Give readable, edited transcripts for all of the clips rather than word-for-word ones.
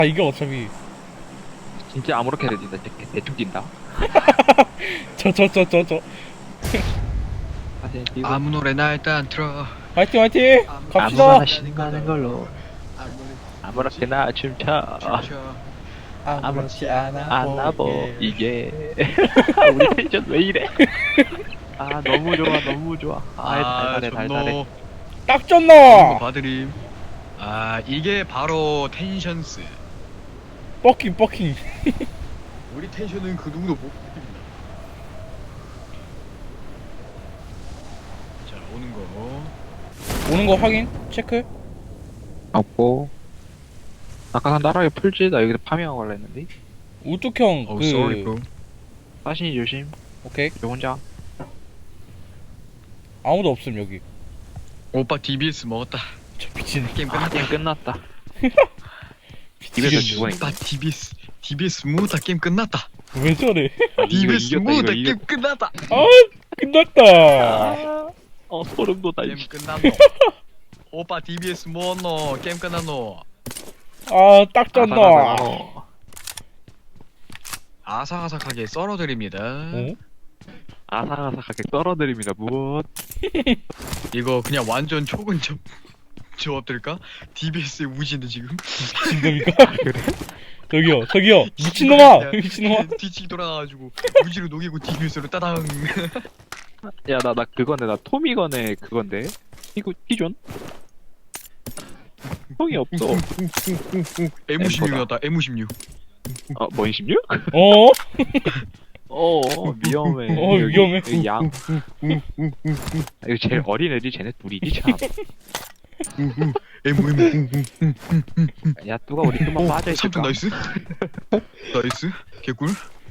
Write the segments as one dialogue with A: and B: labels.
A: 아 이거 어차피
B: 진짜 아무렇게 해도 뛴다. 대충 뛴다.
A: 저
B: 사진 뛰고
C: 아무 노래나 일단 틀어.
A: 화이팅 화이팅 갑시다.
B: 아무거나 신나는 걸로 아무렇게나 춤춰.
A: 아무렇지 않아
B: 안나보 이게 우리 텐션 왜 이래? 아 너무 좋아 너무 좋아. 아 달달해 달달해.
A: 딱
C: 이거
A: 졌나.
C: 봐드림. 아 이게 바로 텐션스.
A: 뻑킹
C: 우리 텐션은 그 누구도 못 이깁니다. 자 오는 거.
A: 오는 거 확인 체크.
B: 없고 아까 나라에 풀지 나 여기서 파밍하고 갈라 했는데.
A: 우뚝형
C: Oh
A: 그
C: sorry bro.
B: 사신이 조심.
A: 오케이
B: 저 혼자.
A: 아무도 없음 여기.
C: 오빠 DBS 먹었다.
A: 저 미친
C: 게임
B: 아
C: 끝났다.
B: 게임 끝났다. 입에서
A: 미치겠네.
B: 죽어있네.
C: 오빠 DBS 먹었다. 게임 끝났다.
A: 왜 저래.
C: DBS 먹었다.
B: 이거
C: 게임 끝났다.
A: 아 끝났다.
B: 소름 돋아.
C: 게임 끝났노. 오빠 DBS 먹었노. 게임 끝났노.
A: 아 딱 졌나.
C: 아삭아삭하게 썰어드립니다.
A: 어?
B: 아삭아삭하게 떨어드립니다. 무엇?
C: 이거 그냥 완전 초근접 조합들까? DBS의 우진데 지금.
A: 진짜입니까? 저기요 미친놈아 미친놈아.
C: 뒤치기 돌아가가지고 우지로 녹이고 DBS로 따당.
B: 야 나 그건데 나 토미건의 그건데 티존? 형이 없어.
C: M16이었다. M16.
B: 뭔 16?
A: 어?
B: 위험해.
A: 위험해.
B: 여기 양. 이거 제일 어린 애들이 쟤네 둘이지 참.
C: M
B: 야 누가 우리 금방 빠져 있을까?
C: 삼촌 나이스. 나이스. 개꿀.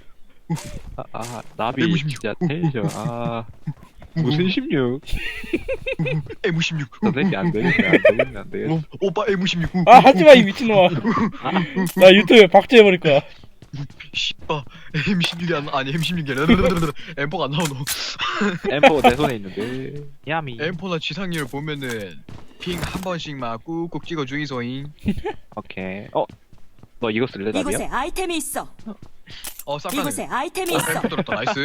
B: 나비
C: M16.
B: 진짜 텐션. 무슨 16?
C: M16.
B: 저 새끼 안 되겠네.
C: 오빠 M16.
A: 아 하지마 이 미친놈아. 나 유튜브에 박제해버릴 거야.
C: 씨바 M16이 아니 M16이 아니라 M4가 안 나오노.
B: 엠포 내 손에 있는데. 야미.
C: M4나 지상률 보면은 핑 한 번씩만 꾹꾹 찍어 주이소잉.
B: 오케이. 너 이거 쓸래 나비야?
D: 이곳에 아이템이 있어.
C: 쌍가네.
D: 이곳에 아이템이 있어.
C: M4 들었다. 나이스.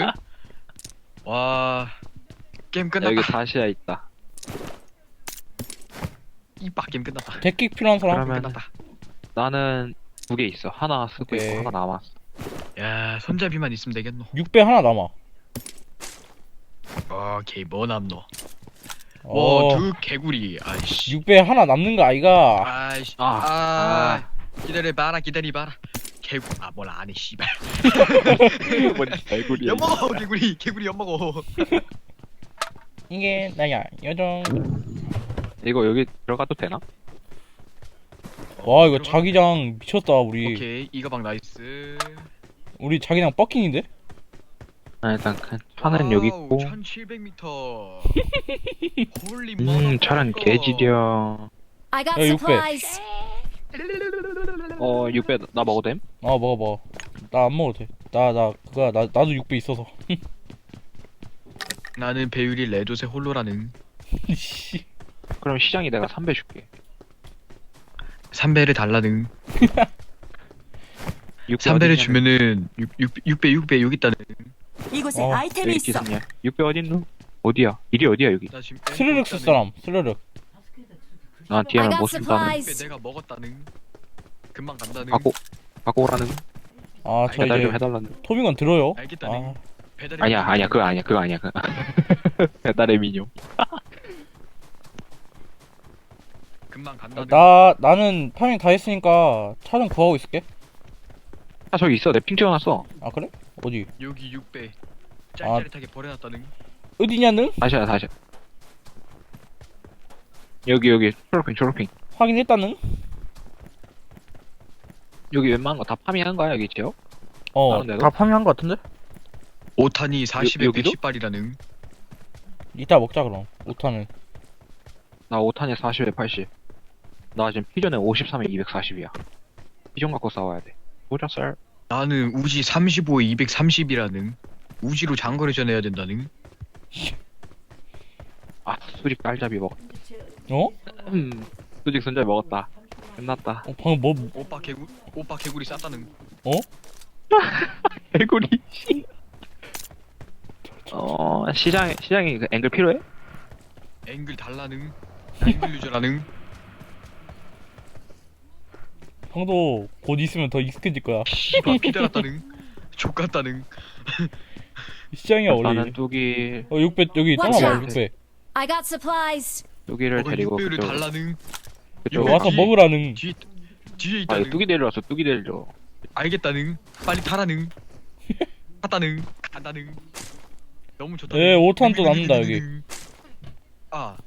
C: 와 게임 끝났다.
B: 여기 다시야 있다.
C: 이빠 게임 끝났다.
A: 데킥 필요한 사람?
B: 그러면-
C: 끝났다.
B: 나는 2개 있어. 하나 쓰고
A: 오케이.
B: 있고 하나 남았어.
C: 야 손잡이만 있으면 되겠노.
A: 6배 하나 남아.
C: 오케이 뭐 남노.
A: 어,
C: 와두 개구리. 아이씨.
A: 6배 하나 남는 거 아이가?
C: 아이씨.
B: 아.
C: 기다려봐라. 개구. 뭘 안해 씨발.
B: 뭔 개구리야.
C: 엿먹어 개구리 엿먹어.
A: 이게 나야 요정.
B: 이거 여기 들어가도 되나?
A: 와 이거 자기장 미쳤다 우리.
C: 오케이 이 가방 나이스.
A: 우리 자기장 뻑킹인데?
B: 일단 차는 여기 있고.
C: 1700m. 홀리
B: 차는 개지려.
D: I got
A: 야, 600.
D: supplies.
B: 6배 나 먹어도 됨?
A: 먹어. 나 안 먹어도 돼. 나도 6배 있어서.
C: 나는 배율이 레도세 홀로라는.
A: 씨.
B: 그럼 시장이 내가 3배 줄게.
C: 3배를 달라는. 3배를 주면은 6배 여기 있다는.
D: 이곳에
A: 어,
D: 아이템이
B: 여기
D: 있어.
B: 기사냐? 6배 어딨노? 어디야? 일이 어디야 여기?
C: 나 지금
A: 스르륵 쓸 사람 스르륵.
B: 나 DM을
D: I
B: 못
D: got
B: 쓴다는.
D: supplies.
C: 내가 먹었다는. 금방 간다는.
B: 갖고 오라는.
A: 아 저
B: 배달 좀
A: 이제
B: 해달라는.
A: 토빙건 들어요.
C: 알겠다는.
A: 아,
C: 배달이
B: 아니야 그거 아니야 배달의 민요.
C: 금방 간다는.
A: 나는 파밍 다 했으니까 차 좀 구하고 있을게.
B: 저기 있어. 내 핑 찍어놨어.
A: 아 그래? 어디?
C: 여기 6배. 짤짤하게 버려놨다는.
A: 어디냐는?
B: 다시야. 여기 초록핑.
A: 확인했다는?
B: 여기 웬만한 거 다 파밍한 거야 여기 지요? 다른 데도?
A: 다 파밍한 거 같은데?
C: 5탄이 40에
B: 여기도?
C: 110발이라는.
A: 이따 먹자 그럼. 5탄은.
B: 나 5탄에 40에 80. 나 지금 피전에 53에 240이야. 피전 갖고 싸워야 돼. 보자 쌀.
C: 나는 우지 35에 230이라는. 우지로 장거리 전해야 된다는.
B: 수직 깔잡이 먹었.
A: 어?
B: 수직 손잡이 먹었다. 끝났다.
A: 방금 뭐
C: 오빠 개구리 쌌다는.
A: 어?
B: 개구리. 시장에 그 앵글 필요해?
C: 앵글 달라는. 앵글 유저라는.
A: 형도 곧 있으면 더 익숙해질 거야.
C: 씨발 피달았다는. 족같다는.
A: 시장이야 원래.
B: 나는 뚜기
A: 6배 여기
D: Watch
A: 떠나봐
D: out.
A: 6배.
D: I got supplies.
B: 뚜기를 데리고
C: 육배를
B: 그쪽
C: 달라는.
B: 그쪽.
C: 요-
A: 와서
C: 뒤-
A: 먹으라는.
C: 뒤에
B: 아
C: 있다는.
B: 뚜기 데리러 왔어. 뚜기 데리러.
C: 알겠다는. 빨리 타라는. 갔다는. 간다는. 너무 좋다.
A: 예, 5탄 또 남는다, 여기.
C: 아,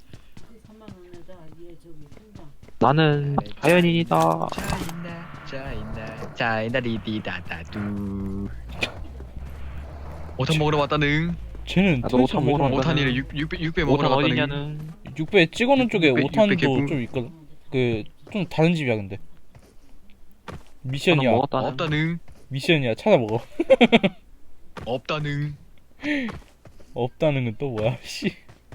B: 나는 자연인이다.
C: 자인다 리디다다두. 5탄 먹으러 왔다는.
A: 쟤는
B: 나도
A: 도대체
B: 5탄
A: 왜
B: 먹으러
A: 저러나?
B: 왔다.
C: 5탄이래 600
B: 5탄
C: 먹으러 왔다는.
B: 어디냐는
A: 6배 찍어놓은 쪽에
C: 600,
A: 5탄도
C: 개뿔.
A: 좀 있거든. 그 좀 다른 집이야 근데.
B: 하나
A: 미션이야.
B: 먹었다는.
C: 없다는.
A: 미션이야. 찾아 먹어.
C: 없다는.
A: 없다는 건 또 뭐야? 씨.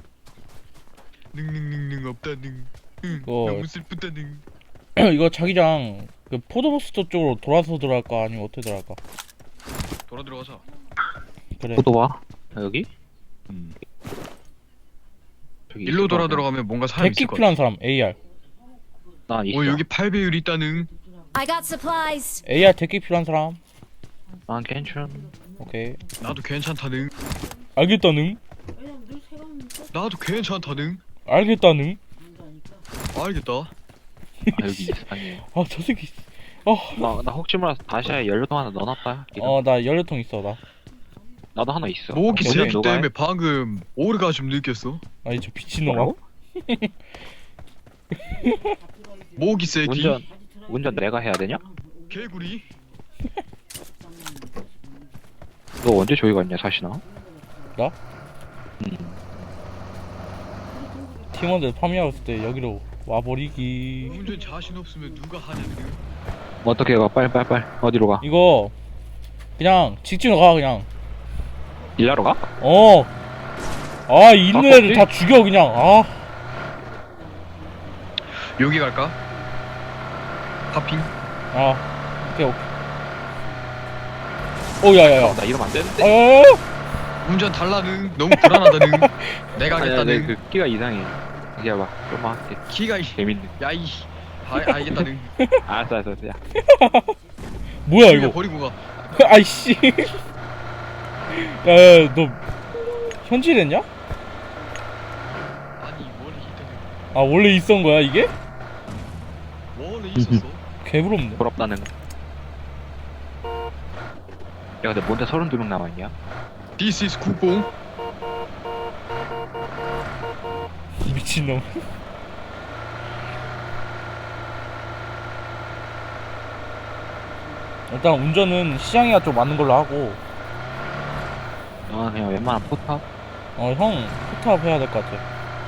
C: 능능능능 없다는.
A: 어.
C: 너무 슬프다는.
A: 이거 자기장 그 포도버스터 쪽으로 돌아서 들어갈까 아니면 어떻게 들어갈까?
C: 돌아 들어가자.
A: 그래.
B: 포도 와. 여기? 저기
C: 일로
B: 있을
C: 돌아
B: 거
C: 들어가면 뭔가 사람
A: 데킥
C: 있을 것 같아.
A: 필요한 사람 AR.
B: 난 있어.
C: 여기 8배율 있다는.
D: I got supplies.
A: AR 데킥 필요한 사람.
B: 난 괜찮.
A: 오케이.
C: 나도 괜찮다는.
A: 알겠다는.
C: 나도 괜찮다는.
A: 알겠다는.
C: 알겠다.
B: 아 여기 이상해.
A: 아 저 새끼.
B: 나 혹시 몰라서 다시야 연료통 하나 넣어놨다.
A: 나 연료통 있어 나.
B: 나도 하나 있어.
C: 모기
A: 오케이,
C: 새끼
B: 누가 해?
C: 때문에 방금 오르가즘 느꼈어.
A: 아니 저 미친놈아.
B: 뭐라고?
C: 모기 새끼.
B: 운전 내가 해야 되냐?
C: 개구리.
B: 너 언제 저기 갔냐 사시나?
A: 나? 팀원들 파밍하고 있을 때 여기로 와버리기.
C: 운전 자신 없으면 누가 하냐는.
B: 어떻게 가? 빨리 어디로 가?
A: 이거 그냥 직진으로 가 그냥.
B: 일하러 가?
A: 있는
B: 아,
A: 애들
B: 어디?
A: 다 죽여 그냥.
C: 여기 갈까? 파핑.
A: 오케이. 야야야.
B: 나 이러면 안 되는데.
A: 야야야.
C: 운전 달라는. 너무 불안하다는. 내가
B: 아니,
C: 하겠다는.
B: 그 끼가 이상해. 기다려봐. 좀만 할게.
C: 키가
B: 재밌네.
C: 야이. 알겠다는.
B: 알았어. 야.
A: 뭐야
C: 이거
A: 이거?
C: 버리고 가.
A: 아이씨. 야야 너 현질했냐?
C: 아니 원래 있다는.
A: 원래 있었던 거야 이게?
C: 원래 있었어.
A: 개부럽네.
B: 부럽다는. 야 근데 뭔데 32명 남아있냐?
C: This is 국뽕.
A: 이 미친놈. 일단 운전은 시장이가 좀 맞는 걸로 하고.
B: 그냥 웬만한 포탑?
A: 형 포탑 해야 될 것 같아.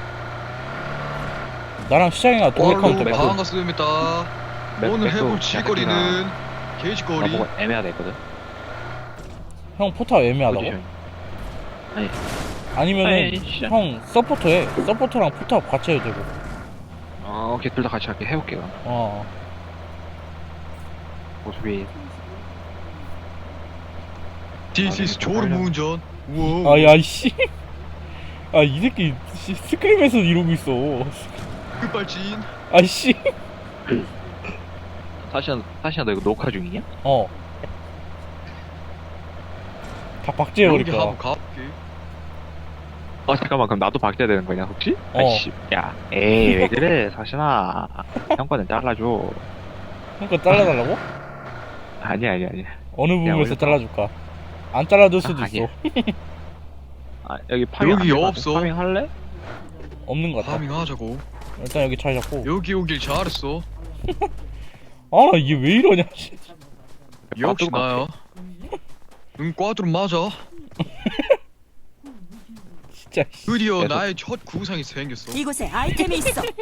A: 나랑 시장이가 동행하면 좀
B: 어,
A: 맞고.
C: 반갑습니다. 오늘 해볼 질거리는 게이지거리.
B: 나보고 애매하다 했거든?
A: 형 포탑 애매하다고?
B: 포지션이. 아니
A: 아니면은
B: 아니, 시작.
A: 형 서포터 해. 서포터랑 포탑 같이 해도 되고.
B: 오케이 둘 다 같이 할게. 해볼게 그럼. 어차피
C: This is 졸음 운전. 우와.
A: 아야 씨. 이 새끼 스크림에서 이러고 있어.
C: 끝발진.
A: 아이씨.
B: 사시야 너 이거 녹화 중이냐?
A: 다 박제해버릴
C: 여기
A: 거야.
C: 한번 가볼게.
B: 잠깐만 그럼 나도 박제야 되는 거냐 혹시?
A: 어.
B: 아이씨 야 에이 왜 그래 사시나 형 거는 잘라줘.
A: 형 거 잘라달라고?
B: 아니야
A: 어느 부분에서
B: 올려봐.
A: 잘라줄까? 안 잘라줄 수도
B: 아니야.
A: 있어.
B: 여기 파밍
C: 여기
B: 안 되거든?
C: 없어.
B: 파밍 할래?
A: 없는 것 같아.
C: 파밍하자고.
A: 일단 여기 잘 잡고.
C: 여기 오길 잘했어.
A: 이게 왜 이러냐. 씨.
C: 역시
B: 꽈뚜루
C: 나야. 응, 꽈드로 맞아.
A: 진짜. 씨.
C: 드디어
B: 계속.
C: 나의 첫 구상이 생겼어.
D: 이곳에 아이템이 있어.
B: 야,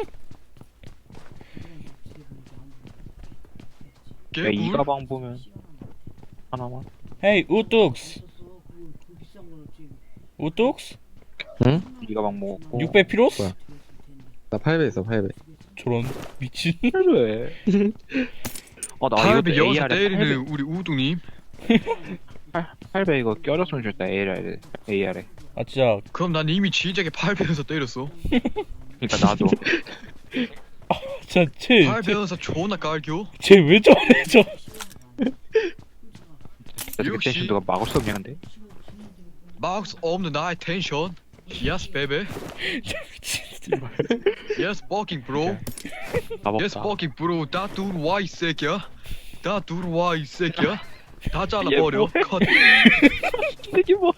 C: 개꿀.
B: 이 가방 보면 하나만.
A: 헤이 우뚝스. 우뚝스?
B: 응? 이 가방 먹었고.
A: 6배 피로스?
E: 뭐야? 나 8배 있어 8배.
A: 저런 미친.
B: 왜? 나 이거
C: 800 여기서
B: AR에
C: 때리는 우리 우동님.
B: 800 이거 껴줬으면 좋겠다. AR에.
A: 아 진짜
C: 그럼 난 이미 진작에 800에서 때렸어.
B: 그러니까 나도.
A: 진짜 쟤
C: 800에서 존나 깔겨.
A: 왜 저래 저.
C: 역시.
B: 텐션도가 막을 수 없냐 근데?
C: 막수 없는 나의 텐션. Yes, baby. Yes, fucking bro. Yes,
B: 가봅다.
C: fucking bro. 다 들어와 이 새끼야. 다 들어와 이 새끼야. 다 잘라버려. 컷.
B: 이게 뭐?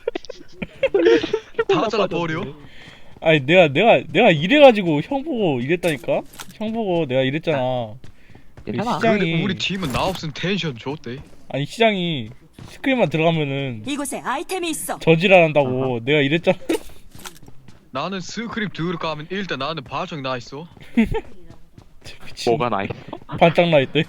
C: 다 잘라버려.
A: 아니 내가 이래가지고 형 보고 이랬다니까. 형 보고 내가 이랬잖아.
B: 괜찮아.
A: 시장이-
C: 근데 우리 팀은 나 없으면 텐션 좋대.
A: 아니 시장이 스크린만 들어가면은
D: 이곳에 아이템이 있어.
A: 저지랄한다고 내가 이랬잖아.
C: 나는 스크립 들어가면 일단 나는 발정 나 있어.
A: 미친.
B: 뭐가 나 있어?
A: 반짝 나 있대.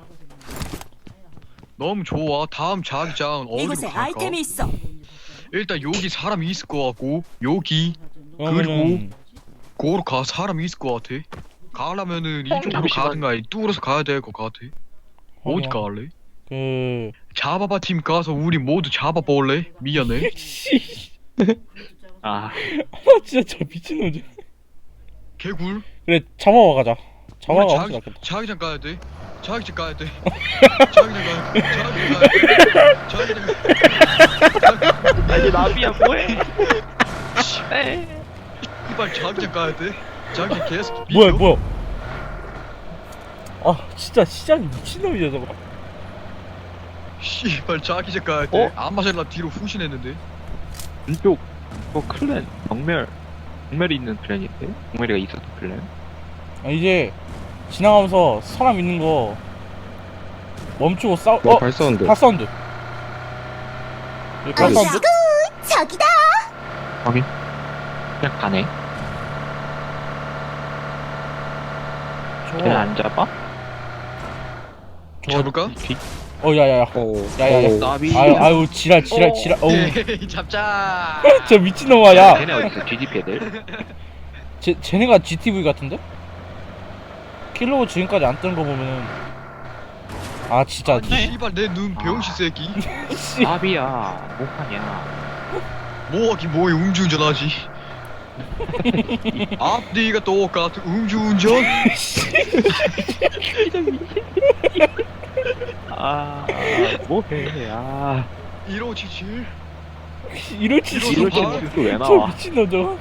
C: 너무 좋아. 다음 자기장 어디로
D: 이곳에
C: 갈까?
D: 아이템이 있어.
C: 일단 여기 사람이 있을 것 같고 여기
A: 그러면은
C: 고로 가 사람이 있을 것 같아. 가려면은 이쪽으로
B: 잠시만.
C: 가든가 아니 뚫어서 가야 될 것 같아. 어디 갈래?
A: 그
C: 잡아봐 팀 가서 우리 모두 잡아볼래? 미안해.
A: 씨.
B: 아,
A: 진짜 저 미친놈.
C: 개굴.
A: 그래 잡아와 가자. 잡아가
C: 우리
A: 훨씬 낫겠다.
C: 자기장 가야 돼. 자기장 가야 돼. 자기장 가야 돼. 자기장 가야 돼. 자기장 가야 돼.
B: 이게 나비야 뭐해?
C: 이발 자기장 가야 돼. 자기장 계속
A: 뭐야? 아 진짜 시장이 미친놈이야 저거.
C: 씨발 자기장 가야 돼.
B: 어?
C: 안마젤라 뒤로 후신했는데.
B: 왼쪽 클랜 정멸이 있는 클랜인데? 정멸이가 있었던 클랜?
A: 아, 이제 지나가면서 사람 있는 거 멈추고 싸우.
E: 발사운드.
A: 핫사운드. 여기 핫사운드?
D: 저기다.
B: 확인. 그냥 가네. 그냥 안 잡아?
C: 잡을까?
B: 뒤
A: 야야야. 야야야.
B: 나비.
A: 아유 지랄. 어우.
C: 에이, 잡자.
A: 저 미친놈아 야.
B: 걔네 어딨어? GDP 애들?
A: 쟤네가 GTV 같은데? 킬로우 지금까지 안 뜨는 거 보면은 아 진짜
C: 씨발 내 눈 병신 새끼.
A: 씨.
B: 나비야. 뭐하냐?
C: 뭐하긴 뭐해 음주운전하지. 앞뒤가 똑같은 음주운전.
B: 뭐해?
C: 1577.
A: 이러지
C: 이러지
A: 저
C: 마.
B: 왜
A: 저
B: 나와?
A: 미친놈 저거.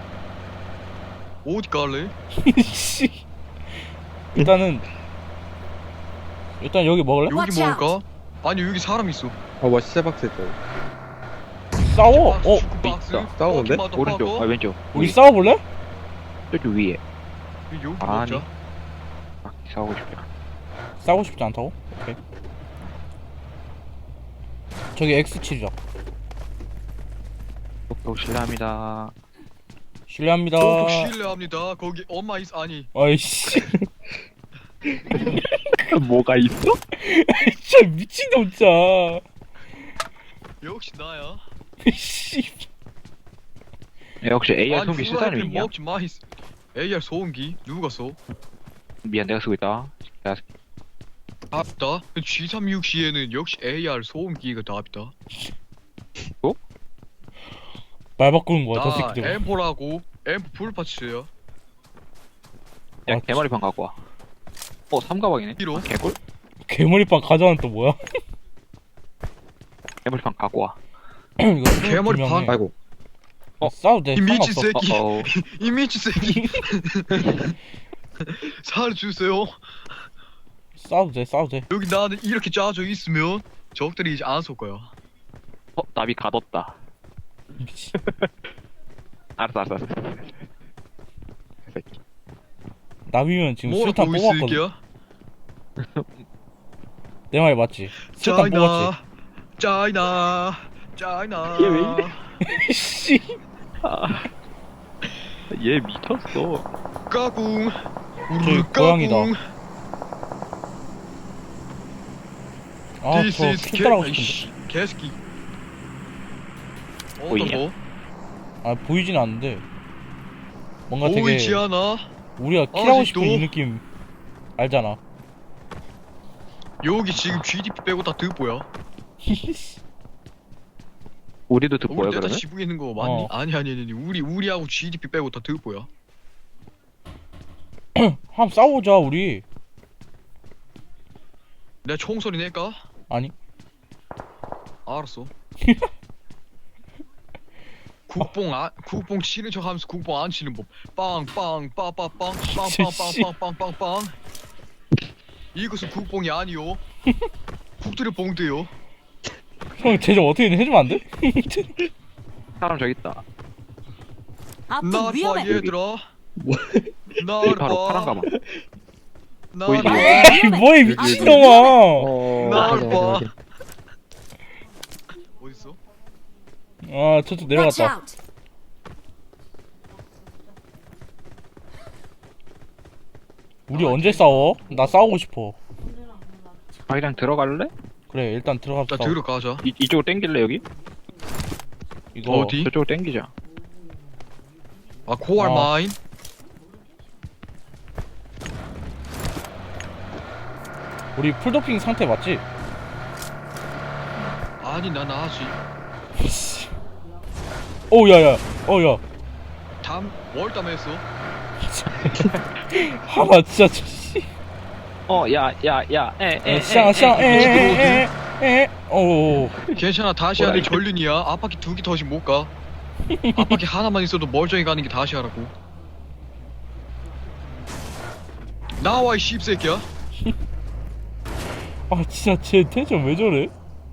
C: 어디 갈래?
A: 씨. 일단 여기 먹을래?
C: 여기
D: Watch out.
C: 먹을까? 아니 여기 사람 있어.
E: 뭐 시체박스 있다.
A: 싸워.
C: 축구박스.
B: 있다.
E: 싸우는데?
B: 오른쪽, 왼쪽.
A: 우리 싸워볼래?
B: 저쪽 위에.
C: 여기
B: 아니.
C: 먹자.
B: 싸우고 싶다.
A: 싸우고 싶지 않다고? 오케이. 저기 X 치자.
B: 똑똑 실례합니다.
A: 실례합니다.
C: 꼭 실례합니다. 거기 엄마 있 아니.
A: 아이씨.
B: 뭐가 있어?
A: 진짜 미친놈 진짜.
C: 역시 나야.
A: 씨.
B: 야, 혹시 AR
C: 아니
B: 소음기 쓸 사람
C: 후라이팬
B: 있냐?
C: 먹지 마. AR 소음기 누가 써?
B: 미안, 내가 쓰고 있다. 내가
C: 답다. G360에는 역시 AR 소음기가 답이다.
A: 말 바꾸는 거야 저
C: 나
A: 새끼들.
C: M4라고 M4 풀파츠야.
B: 야,
A: 아,
B: 개머리판 갖고 와. 삼가방이네.
C: 이로.
B: 개꿀?
A: 괴물이빵 가져와는 또 뭐야?
B: 개머리판 갖고 와.
A: 이거
C: 괴물이빵?
A: 분명해.
E: 아이고.
A: 싸워도 돼.
C: 이 미친
A: 상관없어.
C: 새끼.
B: 어어.
C: 이 미친 새끼. 살려주세요.
A: 싸워도 돼.
C: 여기 나는 이렇게 짜져 있으면 적들이 이제 안 쏠 거야.
B: 나비 가뒀다.
A: 미친.
B: 알았어.
A: 나비면 지금
C: 뭐라
A: 수류탄
C: 보고 있을
A: 뽑았거든.
C: 게야?
A: 내 말이 맞지? 수류탄 뽑았지.
C: 짜이나.
B: 얘왜 이래?
A: 씨.
B: 얘 미쳤어.
C: 까꿍.
A: 저기
C: 우르르
A: 고양이다.
C: 까꿍.
A: 아,
C: This
A: 저
C: is
A: 킬달하고
C: 개-
A: 싶은데.
C: 씨, 개새끼.
B: 보이냐?
C: 뭐?
A: 아, 보이진 않는데. 뭔가
C: 보이지
A: 되게
C: 않아?
A: 우리가 킬하고
C: 아직도?
A: 싶은 이 느낌 알잖아.
C: 여기 지금 GDP 빼고 다 득보야.
B: 우리도 듣고요
C: 우리 다
B: 그러면?
C: 지붕에 있는 거 맞니?
A: 어.
C: 아니. 우리하고 GDP 빼고 다 득보야.
A: 한번 싸우자 우리.
C: 내가 총소리 낼까?
A: 아니
C: 알았어. 국뽕 치는 척 하면서 국뽕 안 치는 법. 빵빵 빠빠빵 빵빵빵빵빵빵. 이것은 국뽕이 아니요. 국들의 봉대요.
A: 형 쟤 좀 어떻게 해주면 안 돼?
B: 사람 저기 있다.
D: 앞쪽
C: 날 봐
D: 위험해.
C: 얘들아.
B: 여기
C: 날
B: 바로 파란
C: 봐.
B: 가방.
C: 날
B: 보이지?
C: 봐.
A: 이 뭐해 미친놈아.
C: 날 봐. 어딨어?
A: 아 저쪽
D: Watch
A: 내려갔다.
D: out.
A: 우리 언제 싸워? 나 싸우고 싶어.
B: 자기장 들어갈래?
A: 그래 일단 들어가서
C: 나
A: 싸워.
C: 들어가자.
B: 이쪽으로 땡길래 여기?
A: 이거
C: 어디?
B: 저쪽으로 땡기자.
C: 아 코알
A: 어.
C: 마인.
A: 우리 풀도핑 상태 맞지?
C: 아니 난 아직
A: 오 야야 어야
C: 월담했어.
A: 하나 진짜 씨. 시장 오
C: 괜찮아 다시 하는 게 전륜이야. 앞바퀴 2개 더씩 못 가. 앞바퀴 하나만 있어도 멀쩡히 가는 게 다시 하라고. 나와 이 씹새끼야.
A: 아 진짜 쟤 텐션 왜 저래?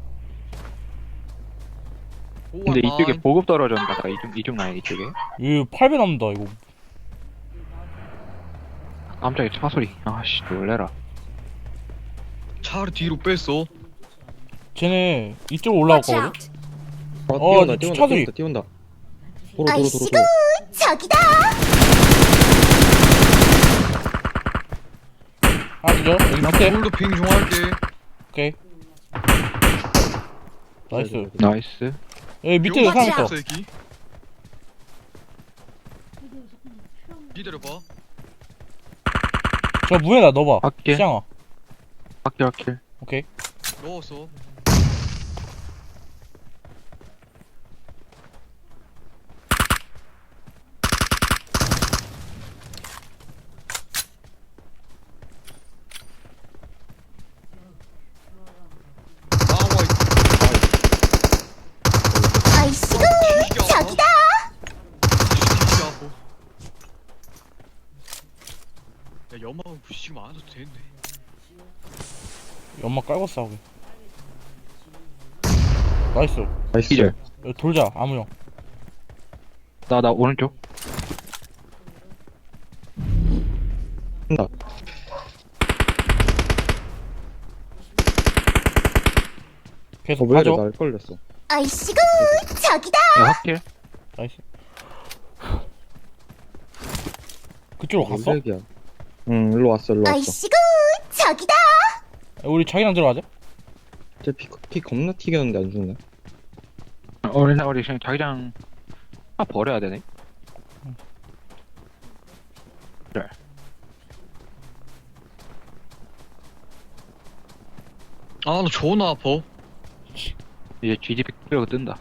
B: 근데 이쪽에 보급 떨어졌나 봐. 이쪽 라인 이쪽에.
A: 얘 8배 남는다 이거.
B: 깜짝이야 차 소리. 아씨 놀래라.
C: 차를 뒤로 뺐어.
A: 쟤네 이쪽으로
D: Watch
A: 올라왔거든?
D: out.
A: 어, 주차 소리.
E: 띄운다. 도로.
D: 아이씨구 저기다.
A: 아 그죠? 여기
C: 나
A: 밑에
C: 불도 핑 좀 할게.
A: 오케이 나이스.
B: 나이스.
A: 여기 밑에도
D: Watch
A: 사람
D: out.
A: 있어.
C: 새끼. 기다려봐.
A: 저 문에다 넣어봐.
B: 밖에.
A: 시장아.
B: 확킬.
A: 오케이.
C: 넣었어. 나와
D: 아이씨구 저기다.
C: 야 연막은 굳이 지금 안 해도 되는데.
A: 연막 깔고 싸우게. 나이스.
E: 나이스.
B: 기절.
A: 여기 돌자 아무형.
B: 나 오른쪽.
E: 한다.
A: 계속
E: 왜 이래
A: 가져.
E: 날 걸렸어.
D: 아이씨구 저기다.
B: 야 확킬.
A: 나이스. 그쪽으로 갔어?
E: 깜짝이야. 응, 일로 왔어.
D: 아이씨구 저기다.
A: 우리 자기랑 들어가자.
E: 피 겁나 튀겼는데 안 죽네.
B: 우리 그냥 자기장 버려야 되네. 그래.
C: 아 나 존나 아파.
B: 이제 GDP 끌고 뜬다.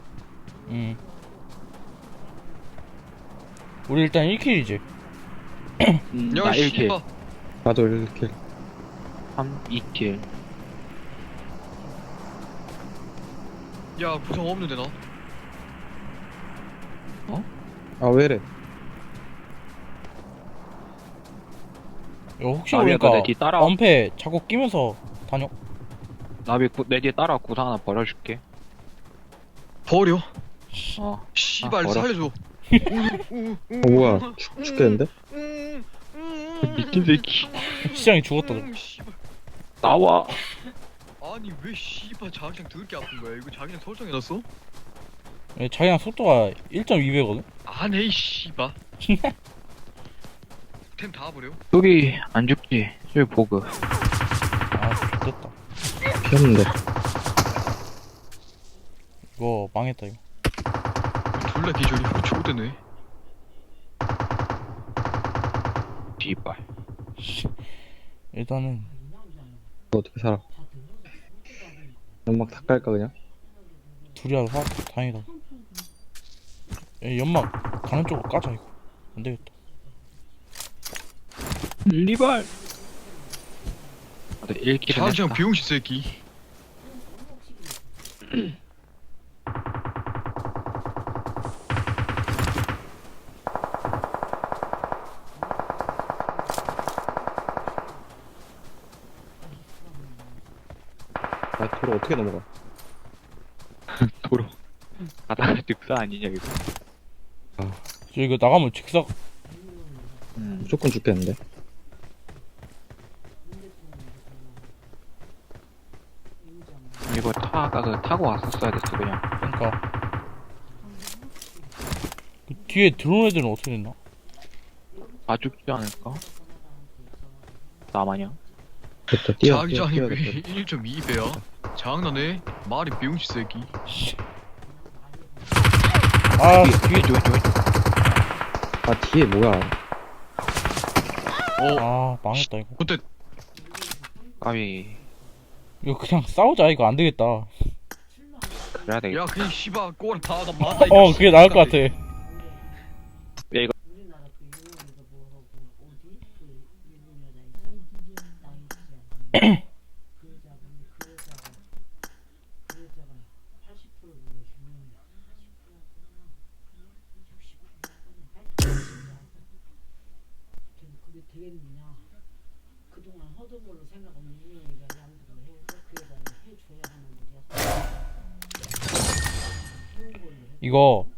A: 우리 일단 1킬이지.
B: 나 1킬.
C: 씨발.
E: 나도 이렇게.
B: 3, 2킬.
C: 야 구성 없는데 나.
E: 아, 왜 이래?
A: 이거 혹시
B: 나비야,
A: 모르니까
B: 너내 뒤 따라와.
A: 엄폐 자꾸 끼면서 다녀.
B: 나비 내 뒤에 따라 구상 하나 버려줄게.
C: 버려.
B: 어.
C: 씨발
B: 버려.
C: 살려줘.
E: 뭐야? 죽겠는데?
B: 미친 새끼.
A: 시장이 죽었다.
C: 씨발.
B: 나와.
C: 아니 왜 씨발 자기장 더럽게 아픈 거야? 이거 자기장 설정해놨어?
A: 얘 자기랑 속도가 1.2배거든?
C: 안해 이 씨발. 템 다 버려.
B: 여기 안 죽지. 저기 보급.
A: 아 됐다.
E: 피었는데.
A: 이거 망했다 이거.
C: 졸라 기절이 좋대네.
B: 씨발.
A: 일단은
E: 이거 어떻게 살아? 연막 다 깔까 그냥?
A: 둘이라도 살았다. 다행이다. 야, 연막 가는 쪽으로 까자 이거. 안 되겠다.
B: 리발. 나도 1킬은
C: 자기장
B: 했다.
C: 비용시 새끼.
E: 아 도로 어떻게 넘어가?
B: 도로. 가다가 득사 아니냐 이거.
A: 저 이거 나가면 직사
E: 무조건 죽겠는데?
B: 이거 타고 왔었어야 됐어 그냥.
A: 그러니까 그 뒤에 들어온 애들은 어떻게 됐나?
B: 다 죽지 않을까? 나마냥?
E: 됐다 뛰어
C: 자기장이 왜
E: 됐다.
C: 1.2배야? 장난해? 말이 비용시 새끼.
A: 아
B: 뒤에 왼쪽.
E: 아 뒤에 뭐야?
C: 어,
A: 망했다 이거.
C: 그때
B: 까비.
A: 이거 그냥 싸우자. 이거 안 되겠다.
B: 그래야 되겠다.
C: 야 그냥 씨발 꼬라 다 맞다.
A: 그게 나을 것 같아.
B: 야, 이거
A: 이거